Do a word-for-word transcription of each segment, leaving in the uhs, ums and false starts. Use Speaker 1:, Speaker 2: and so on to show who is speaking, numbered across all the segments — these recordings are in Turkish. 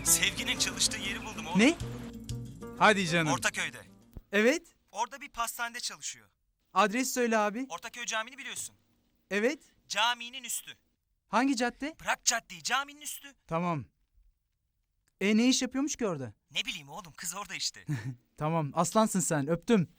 Speaker 1: Sevginin çalıştığı yeri buldum oğlum.
Speaker 2: Ne? Hadi canım.
Speaker 1: Ortaköy'de.
Speaker 2: Evet.
Speaker 1: Orada bir pastanede çalışıyor.
Speaker 2: Adres söyle abi.
Speaker 1: Ortaköy Camii'ni biliyorsun.
Speaker 2: Evet.
Speaker 1: Caminin üstü.
Speaker 2: Hangi cadde?
Speaker 1: Bırak caddeyi, caminin üstü.
Speaker 2: Tamam. E ne iş yapıyormuş ki orada?
Speaker 1: Ne bileyim oğlum, kız orada işte.
Speaker 2: Tamam, aslansın sen. Öptüm.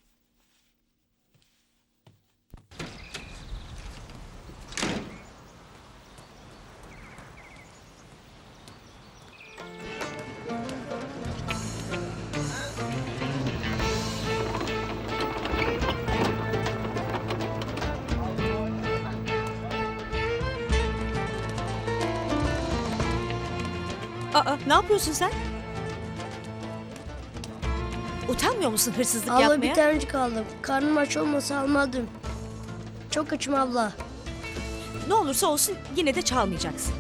Speaker 3: Aa, ne yapıyorsun sen? Utanmıyor musun hırsızlık
Speaker 4: Abla
Speaker 3: yapmaya?
Speaker 4: bir tanecik aldım. Karnım aç olmasa almadım. Çok açım abla.
Speaker 3: Ne olursa olsun yine de çalmayacaksın.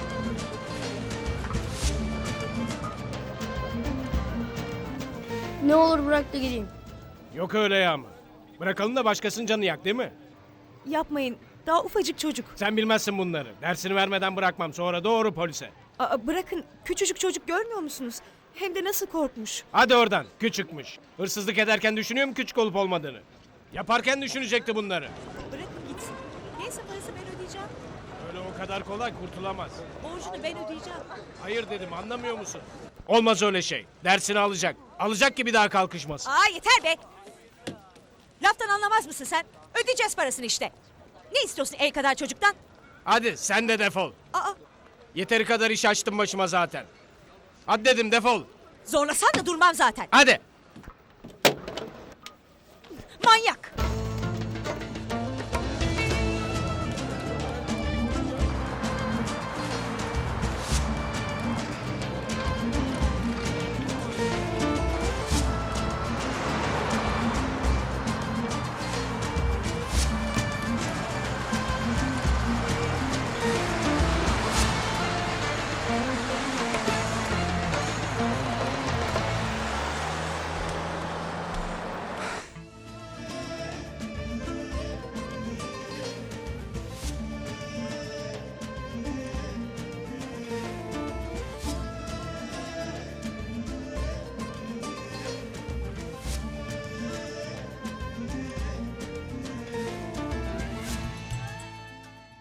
Speaker 4: Ne olur bırak da gideyim.
Speaker 5: Yok öyle ya ama. Bırakalım da başkasının canı yak değil mi?
Speaker 3: Yapmayın. Daha ufacık çocuk.
Speaker 5: Sen bilmezsin bunları. Dersini vermeden bırakmam. Sonra doğru polise.
Speaker 3: Aa, bırakın. Küçücük çocuk görmüyor musunuz? Hem de nasıl korkmuş.
Speaker 5: Hadi oradan. Küçükmüş. Hırsızlık ederken düşünüyor mu küçük olup olmadığını? Yaparken düşünecekti bunları.
Speaker 3: Bırakın gitsin. Neyse parası ben ödeyeceğim.
Speaker 5: Öyle o kadar kolay kurtulamaz.
Speaker 3: Borcunu ben ödeyeceğim.
Speaker 5: Hayır dedim, anlamıyor musun? Olmaz öyle şey. Dersini alacak. Alacak ki bir daha kalkışmasın.
Speaker 3: Aa yeter be. Laftan anlamaz mısın sen? Ödeyeceğiz parasını işte. Ne istiyorsun el kadar çocuktan?
Speaker 5: Hadi sen de defol.
Speaker 3: Aa
Speaker 5: Yeteri kadar iş açtım başıma zaten. Hadi dedim, defol.
Speaker 3: zorlasan da durmam zaten.
Speaker 5: Hadi.
Speaker 3: Manyak.